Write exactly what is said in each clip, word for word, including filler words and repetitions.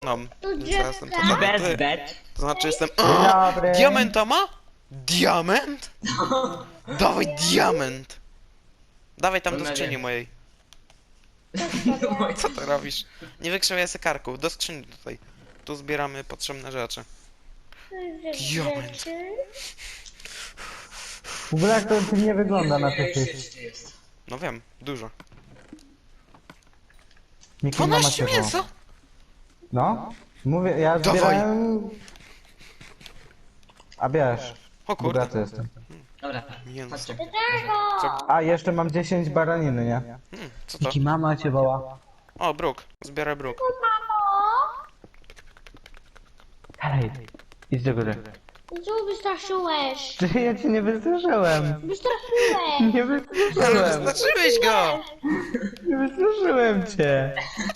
No, Tu więc ja jestem drzewka. totalny Bez ty. bet. To znaczy jestem... Dzień dobry. Diamenta ma? Diament? Dawaj diament! Dawaj tam do No nie skrzyni wiem. mojej. Co ty robisz? Nie wykrzywiaj sekarków, do skrzyni tutaj. Tu zbieramy potrzebne rzeczy. Diament. W ogóle jak to nie wygląda na tych tych. Jeszcze jest. No wiem, dużo. Miki, mama dwanaście cię mięsa? woła. No? Mówię, ja Dawaj. zbierałem... A wiesz, O kurde. bogaty jestem. Dobra, Mięso. chodźcie. Co? A, jeszcze mam dziesięć baraniny, nie? Hmm, co to? Miki, mama cię woła. O, bruk. Zbieraj bruk. Hej, idź do góry. Co wystraszyłeś? Ty, ja cię nie wystraszyłem. Wystraszyłeś! Nie Ale wystraszyłem. wyznaczyłeś go! Nie wystraszyłem cię.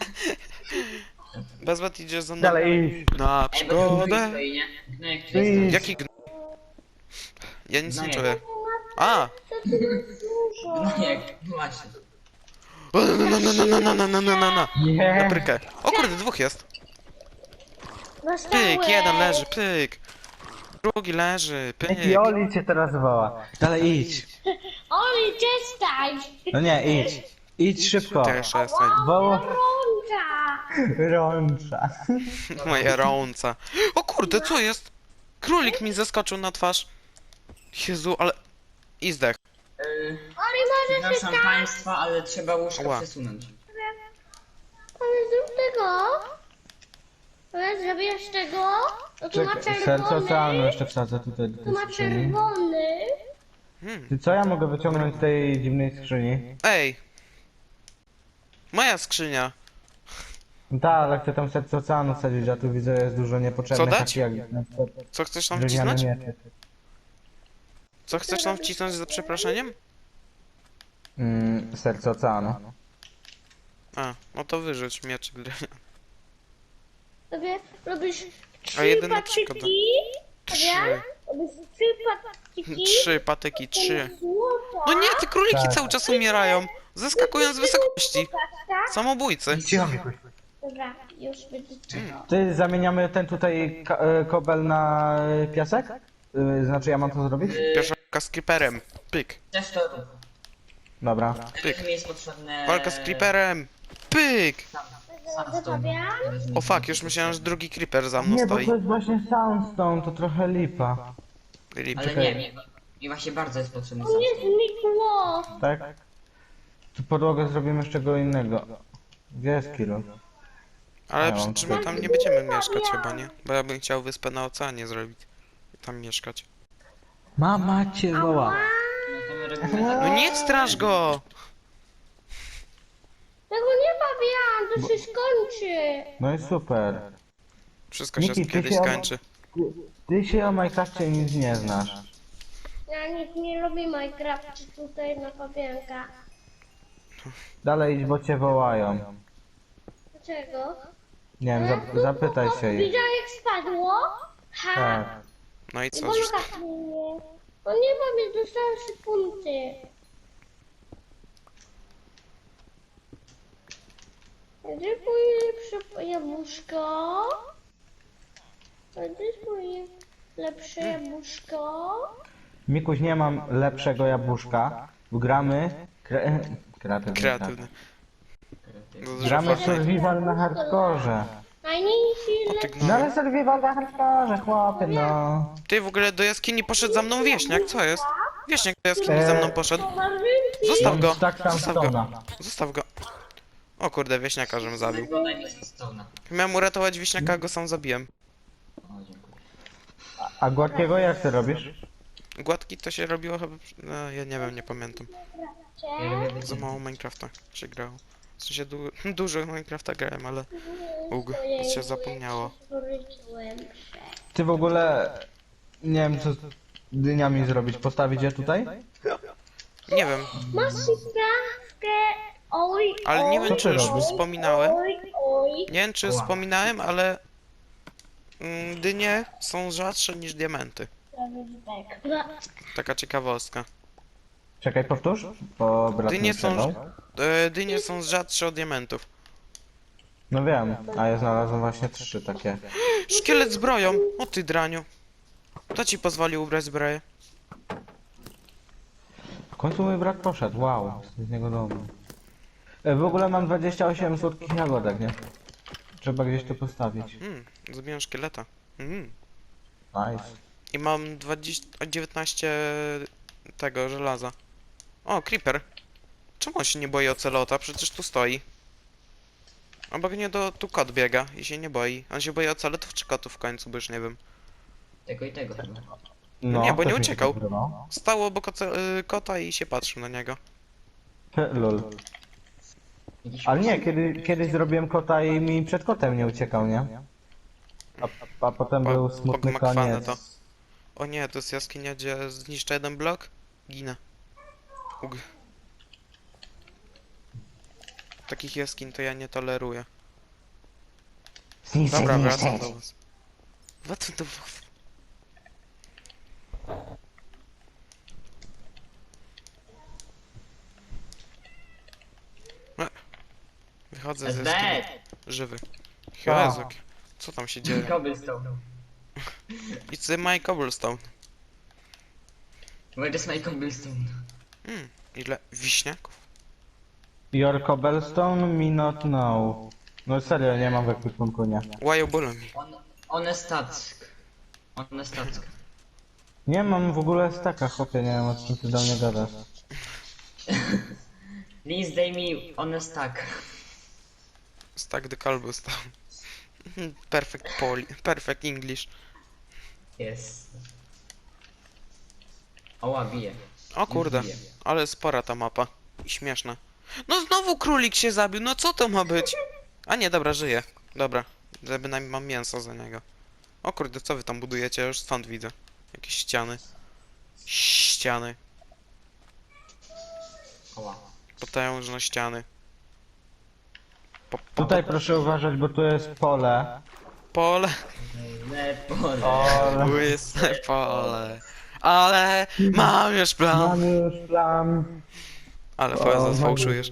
Bezwet idziesz za mną Dalej idź. na Ej, bo tu gnój przygodę. stoi, nie? Gnojek tu Idź. jest. Jaki gn... Ja nic nie Gnojek. czuję. A! Co ty dużo? Gnojek, właśnie. O, Na na na na na na na na na na Nie. Paprykę. O kurde, dwóch jest. Dostałeś. Pyk, jeden leży, pyk. Drugi leży, pyk. Miki, Oli cię teraz woła. Dalej idź. Oli, przestań! No nie, idź. Idź szybko. Też jestem. Woła... Rącza! Rącza. Moja rąca. O kurde, co jest? Królik mi zeskoczył na twarz. Jezu, ale... I zdech. Yy, Oli, może się Przepraszam państwa, ale trzeba łóżko Ała. przesunąć. Ale zrób tego. Ale zrobisz tego. To tu ma Czekaj, serce oceanu czerwony. jeszcze wsadzę tutaj do Tu tej ma skrzyni. czerwony. Hmm. Ty, co ja mogę wyciągnąć z tej dziwnej skrzyni? Ej! Moja skrzynia. No tak, ale chcę tam serce oceanu wsadzić, a tu widzę jest dużo niepotrzebnych Co dać? takich jak na przykład Co chcesz tam drewniane wcisnąć? miecze. Co chcesz tam wcisnąć za przeproszeniem? Mm, serce oceanu. A, no to wyrzuć miecz. Sobie robisz A trzy jedyna przeszkoda. patyki. Trzy. Dobra? Robisz trzy patyki. Trzy patyki, trzy. Złota. No nie, te króliki Tak. cały czas umierają. Zeskakują z wysokości. Tak? Samobójcy. Cicho, Mikuś. Dobra, już będzie czego. Ty, zamieniamy ten tutaj ka- e, kobel na e, piasek? Y, Znaczy ja mam to zrobić? Pierwsza walka z creeperem. Pyk. Też to rób. Dobra. Pyk. Mi jest potrzebne... Walka z creeperem. Pyk. Zostawiam. O fuck, już myślałem, że drugi creeper za mną Nie, bo stoi. to jest właśnie soundstone, to trochę lipa. Rip. Ale nie, mi, mi właśnie bardzo jest potrzebny sam. Nie znikło. Tak? Tu podłogę zrobimy z czego innego. Gdzie jest kilo? Ale Ja przy mam czym my tam nie będziemy mieszkać chyba, nie? Bo ja bym chciał wyspę na oceanie zrobić. I tam mieszkać. Mama cię woła. No to my robimy tak. No nie straż go! Tego nie bawiłam, to się skończy. No i super. Wszystko się Miki, ty kiedyś się- skończy. Ty, ty się o Minecrafcie nic nie znasz. Ja nikt nie lubi Minecraft tutaj na pawianka. Dalej idź, bo cię wołają. Dlaczego? Nie wiem, zap zapytaj się jej. Widziałeś jak spadło? Ha! Tak. No i I co? Że... Bolka mnie. No nie mam, dostałem trzy punkty. Gdzie jest moje lepsze jabłuszko? A gdzie jest moje lepsze jabłuszko? Mikuś, nie mam lepszego jabłuszka. Bo gramy... Kre... Kreatywny. Kreatywny. tak. Gramy survival na hardkorze. Najmniejszy O ty lepszy. No gnoju. ale survival na hardkorze, chłopie, no. Ty w ogóle do jaskini poszedł za mną wieśniak, co jest? Wieśniak do jaskini za mną poszedł. Zostaw go! Tak tam Zostaw go! stona. Zostaw go! O kurde, wieśniaka żem zabił. Daj mi stone'a. Miałem uratować wieśniaka, a go sam zabiłem. O, dziękuję. A gładkiego jak ty robisz? Gładki to się robiło chyba... No, ja nie wiem, nie pamiętam. Ja lubię być... Za mało Minecrafta się grało. W sensie du dużo Minecrafta grałem, ale... Ug, się zapomniało. Ty w ogóle... Nie wiem co z dyniami zrobić. Postawić je tutaj? Nie wiem, Masz sprawkę, oj, ale nie wiem Co czy ty już robisz? wspominałem. oj, oj. Nie wiem czy wspominałem, ale... mm, Dynie są rzadsze niż diamenty. Taka ciekawostka. Czekaj, powtórz? Bo brat Dynie nie są... przerwał. E, dynie są rzadsze od diamentów. No wiem, a ja znalazłem właśnie trzy takie. Szkielet z zbroją! O ty draniu. Kto ci pozwolił ubrać zbroję? W końcu mój brat poszedł, wow, z niego domu. E, w ogóle mam dwadzieścia osiem słodkich jagodek, nie? Trzeba gdzieś to postawić. Hmm, zabiłem szkieleta. Hmm. Nice. I mam dwadzieścia, dziewiętnaście tego żelaza. O, creeper. Czemu on się nie boi ocelota? Przecież tu stoi. Obok nie do tu kot biega i się nie boi. On się boi ocelotów czy kotów w końcu, bo już nie wiem. Tego i tego chyba. No, nie, bo też nie mi się uciekał. tak wydawało. Stał obok oce- y, kota i się patrzył na niego. He, Lol. Jakiś Ale nie, kiedy, kiedyś zrobiłem kota i mi przed kotem nie uciekał, nie? A, a potem Po- był smutny pogmakwane koniec. to. O nie, to jest jaskinia, gdzie zniszczę jeden blok. Ginę. Ug. Takich jaskiń to ja nie toleruję. Zniszczę, Dobra, zniszczę. wracam do was. Wracam do was. E, Wychodzę That's ze bad! jaskini. Żywy. A. Jezu, co tam się dzieje? Cobblestone. It's my cobblestone. Where is my cobblestone? Mm, ile wiśniaków? Your cobblestone me not know. No serio, nie mam w ekwipunku, nie. Why you bully me? On, honest task. Honest task. Nie mam w ogóle staka, chłopie, nie wiem o czym ty do mnie gadasz. Please daj mi honest task. Stack the cobblestone. Perfect Poli, perfect English. Yes. Oła, bije. O kurde, Bije. ale spora ta mapa. I śmieszna. No znowu królik się zabił, no co to ma być? A nie, dobra, żyje. Dobra, bynajmniej mam mięso za niego. O kurde, co wy tam budujecie? Ja już stąd widzę. Jakieś ściany. Ściany. Oła. Potężne ściany. Po, po, Tutaj proszę uważać, bo tu jest pole. pole. Le pole. Pole. Łyse pole. Ale mam już plan. Mam już plan. Ale fajnie sfałszujesz.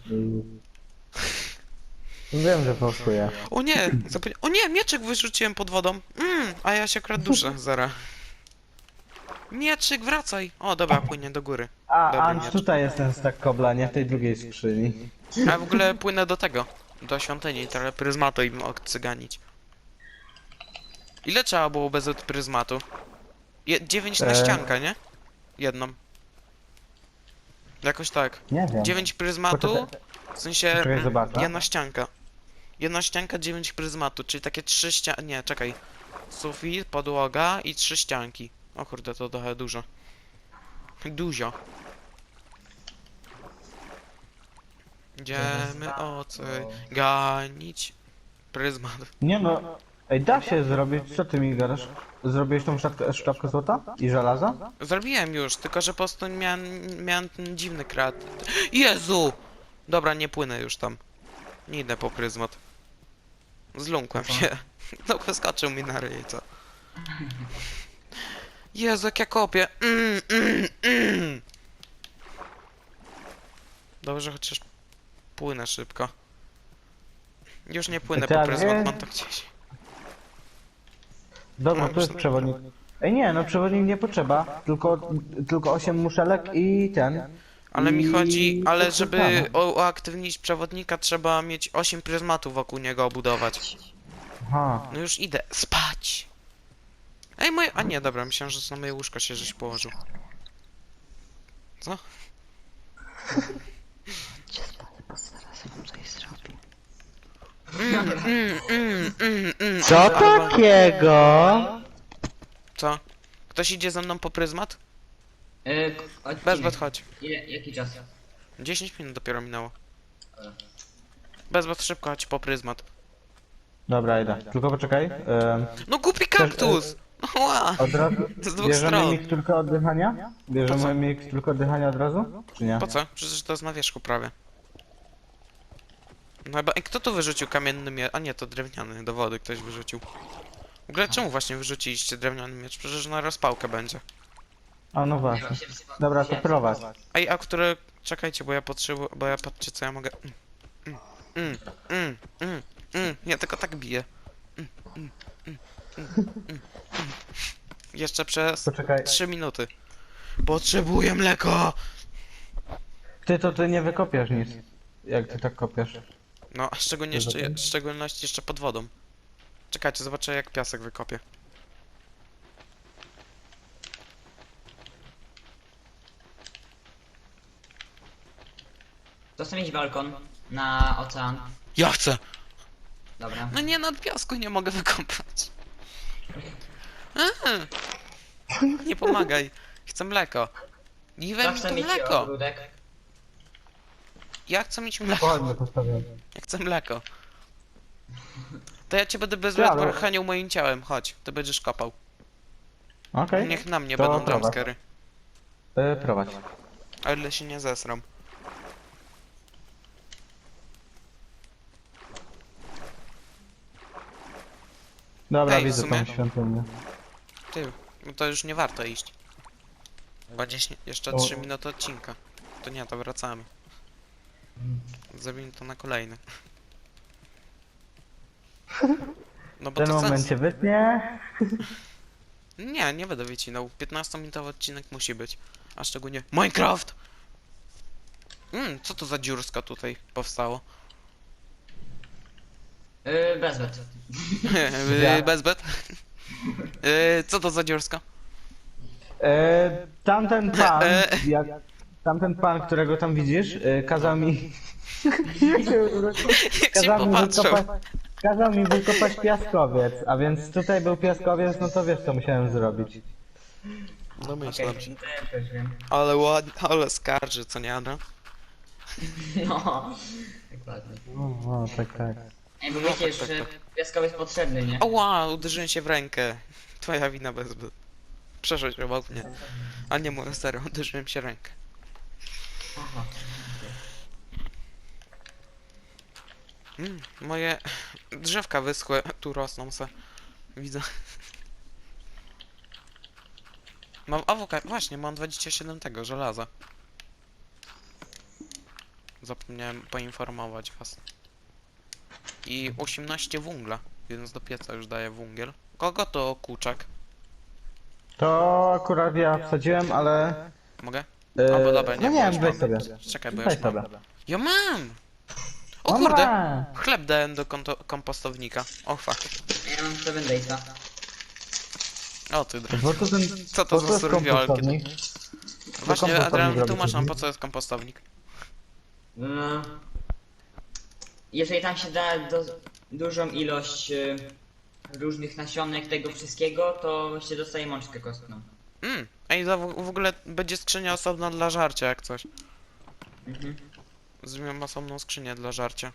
Wiem, że fałszuję. O nie! Zapomnia- o nie! Mieczyk wyrzuciłem pod wodą. Mm, a ja się akurat duszę, zara. Mieczyk, wracaj! O, dobra, płynie do góry. A, Dobry Ant, miecz. tutaj jest ten stak kobla, nie w tej drugiej skrzyni. A w ogóle płynę do tego. Do świątyni, trochę pryzmatu im odcyganić. Ile trzeba było bez pryzmatu? Je- dziewięć na E. ściankę, nie? Jedną. Jakoś tak. Nie wiem. dziewięć pryzmatu, Poczekaj. w sensie Poczekaj, mm, zobaczę. jedna ścianka. Jedna ścianka, dziewięć pryzmatu, czyli takie trzy ścianki, nie, czekaj. Sufit, podłoga i trzy ścianki. O kurde, to trochę dużo. Dużo. Idziemy ocyganić pryzmat. Nie no. Ej, da się zrobić, co ty mi gadasz? Zrobiłeś tą sztabkę, sztabkę złota? I żelaza? Zrobiłem już, tylko że po prostu miałem, miałem ten dziwny krat. Jezu! Dobra, nie płynę już tam. Nie idę po pryzmat. Zląkłem się. No wyskoczył mi na ryj, co? Jezu, jak ja kopię. Mm, mm, mm. Dobrze, chociaż płynę szybko. Już nie płynę po Tak, pryzmat, nie? mam to gdzieś. Dobra, Mam tu jest już- przewodnik. Ej nie, no przewodnik nie potrzeba. Tylko, tylko osiem muszelek i ten. Ale mi I- chodzi, ale to żeby samo. u- uaktywnić przewodnika trzeba mieć osiem pryzmatów wokół niego obudować. Aha. No już idę spać. Ej, moje... A nie, dobra, myślałem, że na moje łóżko się żeś położył. Co? Mm, mm, mm, mm, mm. Co Ale- takiego? Co? Ktoś idzie ze mną po pryzmat? E, k- Bez odcinek. chodź. Ile, jaki czas? dziesięć minut dopiero minęło. Dobra. Bez szybko chodź po pryzmat. Dobra, idę. Tylko poczekaj. Ym, No głupi kaktus! Ła! od razu. Z dwóch Bierzemy stron. miksturkę oddychania? Po Bierzemy co? miksturkę oddychania od razu? Czy nie? Po co? Przecież to jest na wierzchu prawie. No chyba... Ej, kto tu wyrzucił kamienny miecz? A nie, to drewniany, do wody ktoś wyrzucił. W ogóle czemu właśnie wyrzuciliście drewniany miecz? Przecież na rozpałkę będzie. A no właśnie. Dobra, to prowadź. Ej, a które... Czekajcie, bo ja potrzebuję... Bo ja patrzcie co ja mogę... Mm, mm, mm, mm. Mm, ja tylko tak biję. Mm, mm, mm, mm, mm, mm. Jeszcze przez Poczekaj. trzy minuty. Potrzebuję mleko! Ty to ty nie wykopiesz nic. Jak ty tak kopiesz? No, a szczególnie Wiesz o jeszcze, tym? w szczególności jeszcze pod wodą. Czekajcie, zobaczę jak piasek wykopię. To chcę mieć balkon na ocean. Ja chcę! Dobra. No nie, nad piasku nie mogę wykopać. A, nie pomagaj. Chcę mleko. Nie we To mi chcę to mieć mleko. ogródek. Ja chcę mieć mleko. Ładnie postawiłem. Ja chcę mleko. To ja cię będę bez Ja, ale- chenił moim ciałem. Chodź, ty będziesz kopał. Okej. Niech na mnie To będą prowadź. jumpscary. Y, prowadź. O ile się nie zesram. Dobra, Ej, w widzę sumie- tą świątynię. Ty, no to już nie warto iść. Będzie śni- jeszcze O. trzy minuty odcinka. To nie, to wracamy. Zrobimy to na kolejny. No W bo tym to sens. momencie wytnie. Nie, nie będę wycinał. piętnastominutowy odcinek musi być. A szczególnie Minecraft! Mm, co to za dziurska tutaj powstało? Yy, bezwet. Yy, Bezbet? Yy, co to za dziurska? E, tamten pan, E. jak, tamten pan, którego tam widzisz, e, kazał mi... Jak się Jak się kazał, mi popatrzył. wykopać, kazał mi wykopać piaskowiec, a więc tutaj był piaskowiec, no to wiesz co musiałem zrobić. No myślę. Okej, to ja też wiem. Ale ładnie, ale skarży, co nie, Adra? No. Dokładnie. No, no tak, tak. Ej, bo wiecie, tak, tak, że tak. piaskowiec potrzebny, nie? O wow, uderzyłem się w rękę. Twoja wina Bezbet. Przeszedł obok mnie. A nie moja serio, uderzyłem się w rękę. Aha. Mm, moje drzewka wyschłe, tu rosną se. Widzę. Mam awokado, właśnie, mam dwadzieścia siedem tego, żelaza. Zapomniałem poinformować was. I osiemnaście węgla, więc do pieca już daję węgiel. Kogo to kurczak? To akurat ja wsadziłem, ale... Mogę? E, Albo dobra, nie, no bo nie już wiem, weź mam. sobie. Czekaj, bo ja Weź już mam. sobie. Ja mam! O No kurde! ma. Chleb dałem do konto- kompostownika. O fuck. Ja mam seven daysa. O ty dra- Bo to ten... Co to po za jest survival kit? kompostownik? Właśnie, kompostownik Adrian, robi wytłumacz nam sobie. po co jest kompostownik. No. Jeżeli tam się da do, dużą ilość y, różnych nasionek tego wszystkiego, to się dostaje mączkę kostną. Mm. Ej, za w w ogóle będzie skrzynia osobna dla żarcia, jak coś. Mhm. Zrobiłem osobną skrzynię dla żarcia.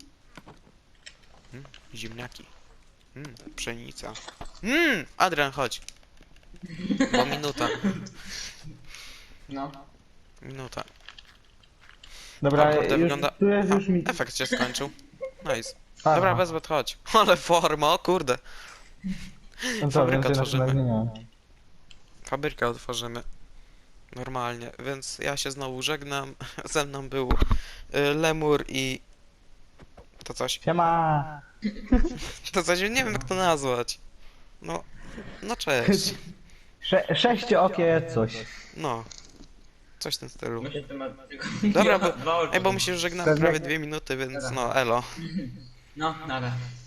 Mm. Ziemniaki. Mm. Pszenica. Mm. Adrian, chodź. Bo minuta. No. Minuta. Dobra, O, kurde, już, wygląda- tu jest już mi... Efekt się skończył. Nice. Aha. Dobra, Bezbet, chodź. Ale forma, o kurde. No co, fabrykę więcej na tworzymy. tym nie miałem. Fabrykę otworzymy. Normalnie, więc ja się znowu żegnam. Ze mną był y, Lemur i... To coś. Siema! To coś, nie wiem jak to nazwać. No, no cześć. Sze sześciookie coś. No. Coś w tym stylu. Myślę, że to ma tylko Dobra, bo, dwa oczy. ej, bo my się już żegnamy prawie dwie minuty, więc no, elo. No, nara.